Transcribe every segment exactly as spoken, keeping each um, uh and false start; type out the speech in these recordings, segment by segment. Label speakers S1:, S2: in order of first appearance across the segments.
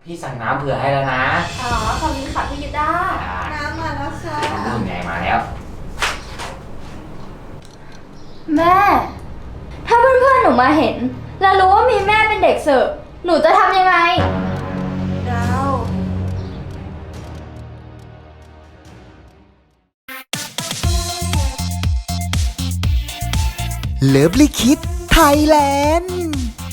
S1: พี่สั่งน้ำเผื่อให้แล้วนะ
S2: อ๋อขอบคุณค่ะพี่กีตาร์
S3: น้ำมาแล้วค่ะ
S1: นู่นไงมาแล้ว
S2: แม่ถ้าเพื่อนๆหนูมาเห็นแล้วรู้ว่ามีแม่เป็นเด็กเสิร์ฟหนูจะทำยังไง
S3: ดาว
S4: เลิฟลิคิดไทยแลนด์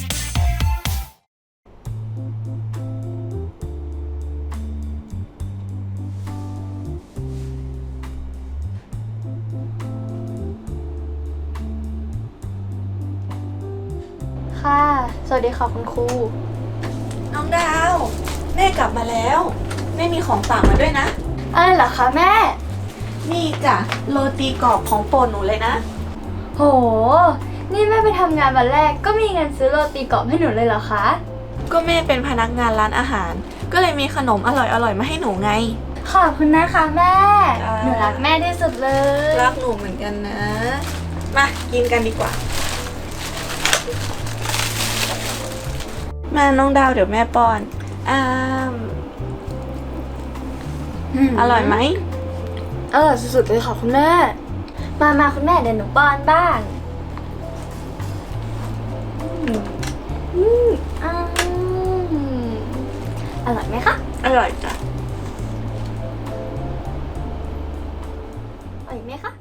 S2: ค่ะสวัสดีค่ะคุณครู
S3: น้องดาวแม่กลับมาแล้วแม่มีของฝากมาด้วยนะ
S2: อะไรเหรอคะแม่
S3: นี่จ้ะโรตีกรอบของโปรดหนูเลยนะ
S2: โหนี่แม่ไปทำงานวันแรกก็มีเงินซื้อโรตีกรอบให้หนูเลยเหรอคะ
S3: ก็แม่เป็นพนักงานร้านอาหารก็เลยมีขนมอร่อยๆมาให้หนูไง
S2: ขอบคุณนะคะแม่หนูรักแม่ที่สุดเลย
S3: รักหนูเหมือนกันนะมากินกันดีกว่ามาน้องดาวเดี๋ยวแม่ป้อนอ้ามอร่อยไหม
S2: อร่อยสุดๆเลยค่ะคุณแม่มามาคุณแม่เดี๋ยวหนูป้อนบ้างอืมอืมอร่อยไหมคะ
S3: อร่อยจ้ะ
S2: อร่อยไหมคะ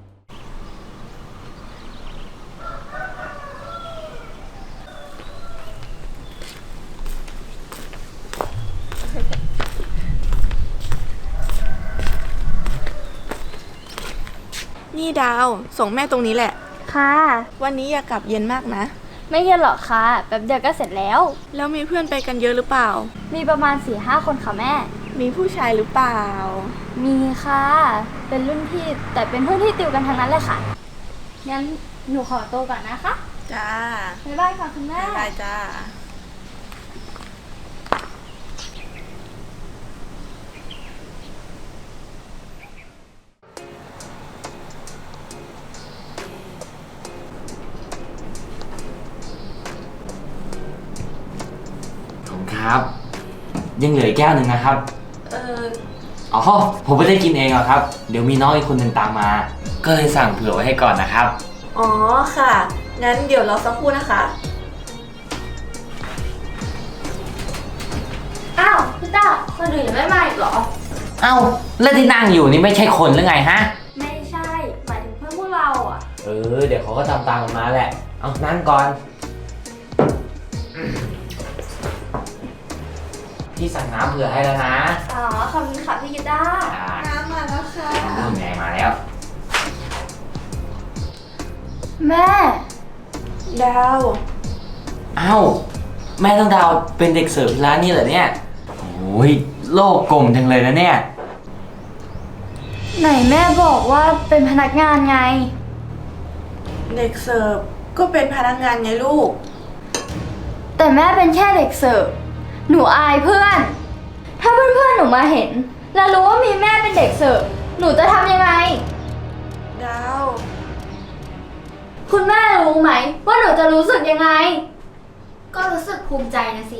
S3: นี่ดาวส่งแม่ตรงนี้แหละ
S2: ค่ะ
S3: วันนี้อย่ากลับเย็นมากนะ
S2: ไม่เย็นหรอกค่ะแป๊บเดียวก็เสร็จแล้ว
S3: แล้วมีเพื่อนไปกันเยอะหรือเปล่า
S2: มีประมาณ สี่ห้า คนค่ะแม่
S3: มีผู้ชายหรือเปล่า
S2: มีค่ะเป็นรุ่นพี่แต่เป็นเพื่อนที่ติวกันทั้งนั้นเลยค่ะงั้นหนูขอตัวก่อนนะคะ
S3: จ้า
S2: บ๊ายบายค่ะคุณแม่
S3: บ๊ายบายจ้า
S1: ครับยังเหลืออีกแก้วหนึ่งนะครับ
S3: เออ
S1: อ๋อผมไม่ได้กินเองหรอกครับเดี๋ยวมีน้องอีกคนหนึ่งตามมาก็เลยสั่งเผื่อไว้ให้ก่อนนะครับ
S3: อ๋อค่ะงั้นเดี๋ยวรอสักครู่นะคะ
S2: อ้าวพี่ต้าคนอื่นยังไม่มาอีกเหรอ
S1: เอ้าแล้วที่นั่งอยู่นี่ไม่ใช่คนหรือไงฮะ
S2: ไม่ใช่หมายถึงเพื่อนพวกเราอ่ะ
S1: เออเดี๋ยวเขาก็ตามตามกันมาแหละเอานั่งก่อนพี่สั่งน้ำเผื่อให้แล้วนะ
S2: อ๋อขอบคุณค่ะพี่กีตาร์
S3: น้ำมาแล้วค่ะ
S1: นู่นไงมาแล้ว
S2: แม่
S3: ดาว
S1: อ้าวแม่ต้องดาวเป็นเด็กเสิร์ฟที่ร้านนี้เหรอเนี่ยโอ้ยโลกกลมจังเลยนะเนี่ย
S2: ไหนแม่บอกว่าเป็นพนักงานไง
S3: เด็กเสิร์ฟก็เป็นพนักงานไงลูก
S2: แต่แม่เป็นแค่เด็กเสิร์ฟหนูอายเพื่อนถ้าเพื่อนๆหนูมาเห็นแล้วรู้ว่ามีแม่เป็นเด็กเสิร์ฟหนูจะทำยังไง
S3: ดาว
S2: คุณแม่รู้ไหมว่าหนูจะรู้สึกยังไงก็รู้สึกภูมิใจนะสิ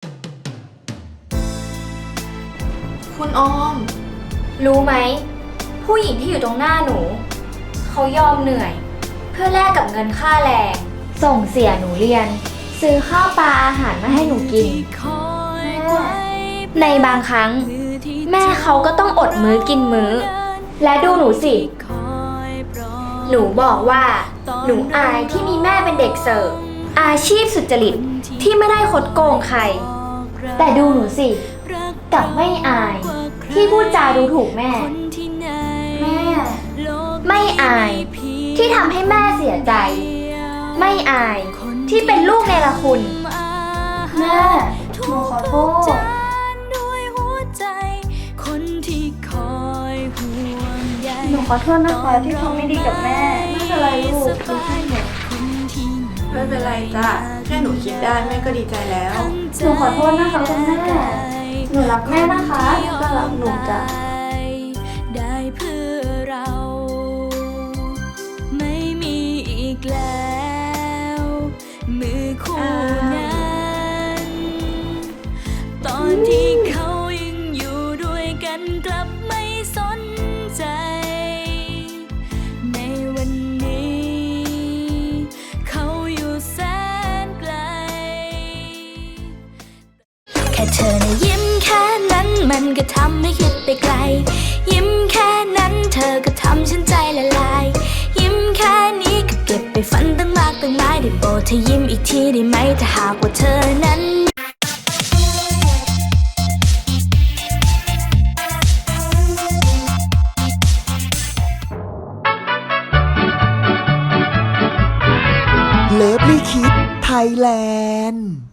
S3: คุณออม
S2: รู้ไหมผู้หญิงที่อยู่ตรงหน้าหนูเขายอมเหนื่อยเพื่อแลกกับเงินค่าแรงส่งเสียหนูเรียนซื้อข้าวปลาอาหารมาให้หนูกินในบางครั้งแม่เขาก็ต้องอดมื้อกินมื้อและดูหนูสิหนูบอกว่าหนูอายที่มีแม่เป็นเด็กเสิร์ฟอาชีพสุจริตที่ไม่ได้คดโกงใครแต่ดูหนูสิกลับไม่อายที่พูดจาดูถูกแม่แม่ไม่อายที่ทำให้แม่เสียใจไม่อายที่เป็นลูกเนรคุณแม่หนูขอโทษหนูขอโทษนะคะที่ทำไม่ดีกับแม่ไม่เป็นไรลูกดูให้หนู
S3: ไม่เป็นไรจ้ะแค่หนูคิดได้แม่ก็ดีใจแล้ว
S2: หนูขอโทษนะคะคุณแม่หนูรักแม่นะคะ
S3: ก็รักหนูจ้ะ
S5: ได้เพื่อเราไม่มีอีกแล้วมือคู่นั้นตอนที่ค่เธอนะยิ้มแค่นั้นมันก็ทำให้คิดไปไกล ยิ้มแค่นั้นเธอก็ทำฉันใจละลาย ยิ้มแค่นี้ก็เก็บไปฝันตั้งมากตั้งหลายได้โปรดเธอยิ้มอีกทีได้ไหมถ้าหากว่าเธอนั้น
S4: เลิฟลี่คิดไทยแลนด์